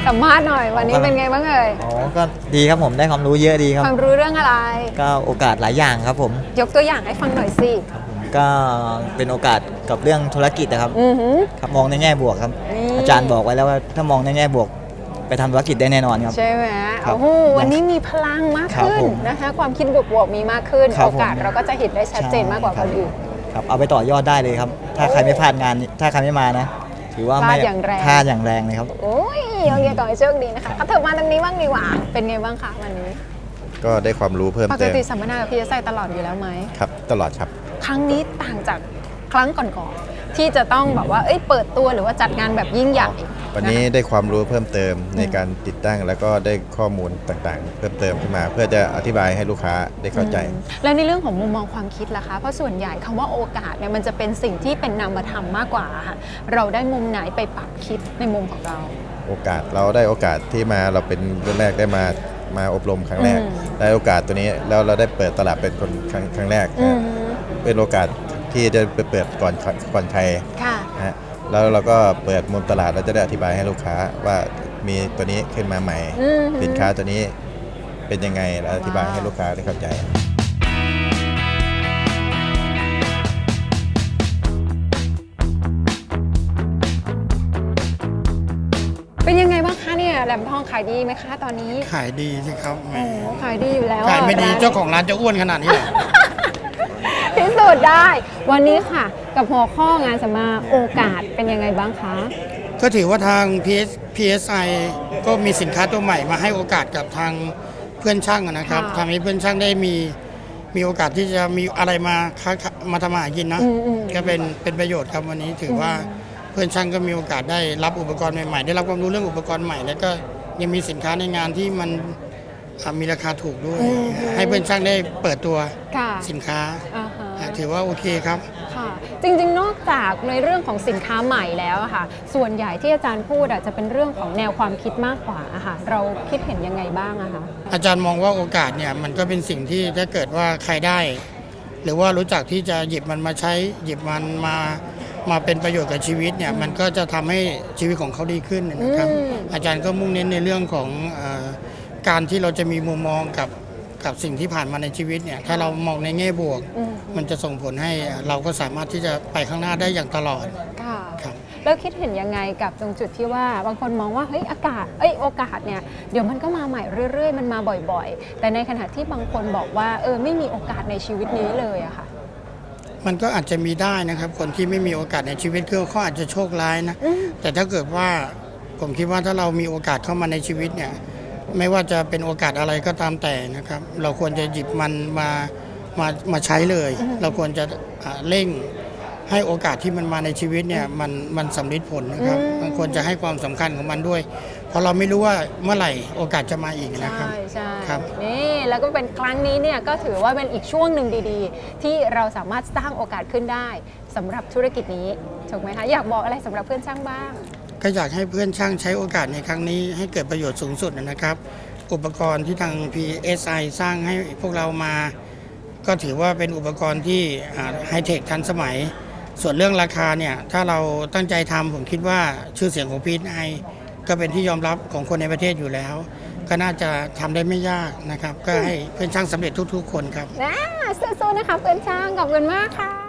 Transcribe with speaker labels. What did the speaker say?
Speaker 1: สัมภาษณ์หน่อยวันนี้เป็นไงบ้างเอ่ย
Speaker 2: อ๋อก็ดีครับผมได้ความรู้เยอะดีครับ
Speaker 1: ความรู้เรื่องอะไร
Speaker 2: ก็โอกาสหลายอย่างครับผม
Speaker 1: ยกตัวอย่างให้ฟังหน่อยสิ
Speaker 2: ครับผมก็เป็นโอกาสกับเรื่องธุรกิจนะครับครับมองในแง่บวกครับอาจารย์บอกไว้แล้วว่าถ้ามองในแง่บวกไปทำธุรกิจได้แน่นอนครับ
Speaker 1: ใช่ไหมโอ้โหวันนี้มีพลังมากขึ้นนะคะความคิดบวกๆมีมากขึ้นโอกาสเราก็จะเห็นได้ชัดเจนมากกว่าคนอื่น
Speaker 2: ครับเอาไปต่อยอดได้เลยครับถ้าใครไม่พลาดงานถ้าใครไม่มานะถือว่าไม่พลาดอย่างแรงเลยครับ
Speaker 1: โอ้ยโอเคต่อให้โชคดีนะคะเอาเถอะมาตรงนี้บ้างดีกว่าเป็นไงบ้างคะวันนี้
Speaker 3: ก็ได้ความรู้เพิ่มเติมป
Speaker 1: กติสัมมนากับพี่ตลอดอยู่แล้วไหม
Speaker 3: ครับตลอดครับ
Speaker 1: ครั้งนี้ต่างจากครั้งก่อนๆที่จะต้องแบบว่าเปิดตัวหรือว่าจัดงานแบบยิ่งใหญ่
Speaker 3: วันนี้ได้ความรู้เพิ่มเติมในการติดตั้งแล้วก็ได้ข้อมูลต่างๆเพิ่มเติมขึ้นมาเพื่อจะอธิบายให้ลูกค้าได้เข้าใจ
Speaker 1: แล้วในเรื่องของมุมมองความคิดล่ะคะเพราะส่วนใหญ่คำว่าโอกาสเนี่ยมันจะเป็นสิ่งที่เป็นนามธรรมมากกว่าค่ะเราได้มุมไหนไปปรับคิดในมุมของเรา
Speaker 3: โอกาสเราได้โอกาสที่มาเราเป็นรุ่นแรกได้มาอบรมครั้งแรกได้โอกาสตัวนี้แล้วเราได้เปิดตลาดเป็นคนครั้งแรกเป็นโอกาสที่จะไปเปิดก่อนใครนะแล้วเราก็เปิดมุมตลาดเราจะได้อธิบายให้ลูกค้าว่ามีตัวนี้ขึ้นมาใหม่สินค้าตัวนี้เป็นยังไงเราอธิบายให้ลูกค้าได้เข้าใจ
Speaker 1: เป็นยังไงบ้างคะเนี่ยแหลมทองขายดีไหมคะตอนนี้
Speaker 4: ขายดีสิครับ
Speaker 1: โอ้ขายดีอยู่แล้ว
Speaker 4: ขายไม่ดีเจ้าของร้านจะอ้วนขนาดนี้เหรอ
Speaker 1: พิสูจน์ได้วันนี้ค่ะกับหัวข้องานสัมมนาโอกาสเป็นยังไงบ้างคะ
Speaker 4: ก็ถือว่าทาง PSI ก็มีสินค้าตัวใหม่มาให้โอกาสกับทางเพื่อนช่างนะครับทำให้เพื่อนช่างได้มีโอกาสที่จะมีอะไรมาทำมาหากินนะก็เป็นประโยชน์ครับวันนี้ถือว่าเพื่อนช่างก็มีโอกาสได้รับอุปกรณ์ใหม่ๆได้รับความรู้เรื่องอุปกรณ์ใหม่แล้วก็ยังมีสินค้าในงานที่มันมีราคาถูกด้วยให้เพื่อนช่างได้เปิดตัวสินค้าถือว่าโอเคครับ
Speaker 1: ค่ะจริงๆนอกจากในเรื่องของสินค้าใหม่แล้วค่ะส่วนใหญ่ที่อาจารย์พูดจะเป็นเรื่องของแนวความคิดมากกว่าค่ะเราคิดเห็นยังไงบ้างอะคะ
Speaker 4: อาจารย์มองว่าโอกาสเนี่ยมันก็เป็นสิ่งที่ถ้าเกิดว่าใครได้หรือว่ารู้จักที่จะหยิบมันมาใช้หยิบมันมาเป็นประโยชน์กับชีวิตเนี่ยมันก็จะทำให้ชีวิตของเขาดีขึ้นนะครับอาจารย์ก็มุ่งเน้นในเรื่องของการที่เราจะมีมุมมองกับสิ่งที่ผ่านมาในชีวิตเนี่ยถ้าเรามองในแง่บวกมันจะส่งผลให้เราก็สามารถที่จะไปข้างหน้าได้อย่างตลอด
Speaker 1: ค่ะแล้วคิดเห็นยังไงกับตรงจุดที่ว่าบางคนมองว่าเฮ้ยโอกาสเนี่ยเดี๋ยวมันก็มาใหม่เรื่อยๆมันมาบ่อยๆแต่ในขณะที่บางคนบอกว่าไม่มีโอกาสในชีวิตนี้เลยอะค่ะ
Speaker 4: มันก็อาจจะมีได้นะครับคนที่ไม่มีโอกาสในชีวิตเขาอาจจะโชคร้ายนะแต่ถ้าเกิดว่าผมคิดว่าถ้าเรามีโอกาสเข้ามาในชีวิตเนี่ยไม่ว่าจะเป็นโอกาสอะไรก็ตามแต่นะครับเราควรจะหยิบมันมาใช้เลยเราควรจะเร่งให้โอกาสที่มันมาในชีวิตเนี่ยมันสำลิดผลนะครับมันควรจะให้ความสำคัญของมันด้วยเพราะเราไม่รู้ว่าเมื่อไหร่โอกาสจะมาอีกนะครับ
Speaker 1: ใช่ครับนี่แล้วก็เป็นครั้งนี้เนี่ยก็ถือว่าเป็นอีกช่วงหนึ่งดีๆที่เราสามารถสร้างโอกาสขึ้นได้สำหรับธุรกิจนี้ถูกไหมคะอยากบอกอะไรสำหรับเพื่อนช่างบ้าง
Speaker 4: ก็อยากให้เพื่อนช่างใช้โอกาสในครั้งนี้ให้เกิดประโยชน์สูงสุดนะครับอุปกรณ์ที่ทาง PSI สร้างให้พวกเรามาก็ถือว่าเป็นอุปกรณ์ที่ไฮเทคทันสมัยส่วนเรื่องราคาเนี่ยถ้าเราตั้งใจทำผมคิดว่าชื่อเสียงของ PSI ก็เป็นที่ยอมรับของคนในประเทศอยู่แล้วก็น่าจะทำได้ไม่ยากนะครับก็ให้เพื่อนช่างสำเร็จทุกๆคนครับ
Speaker 1: สู้ๆนะคะเพื่อนช่างขอบคุณมากค่ะ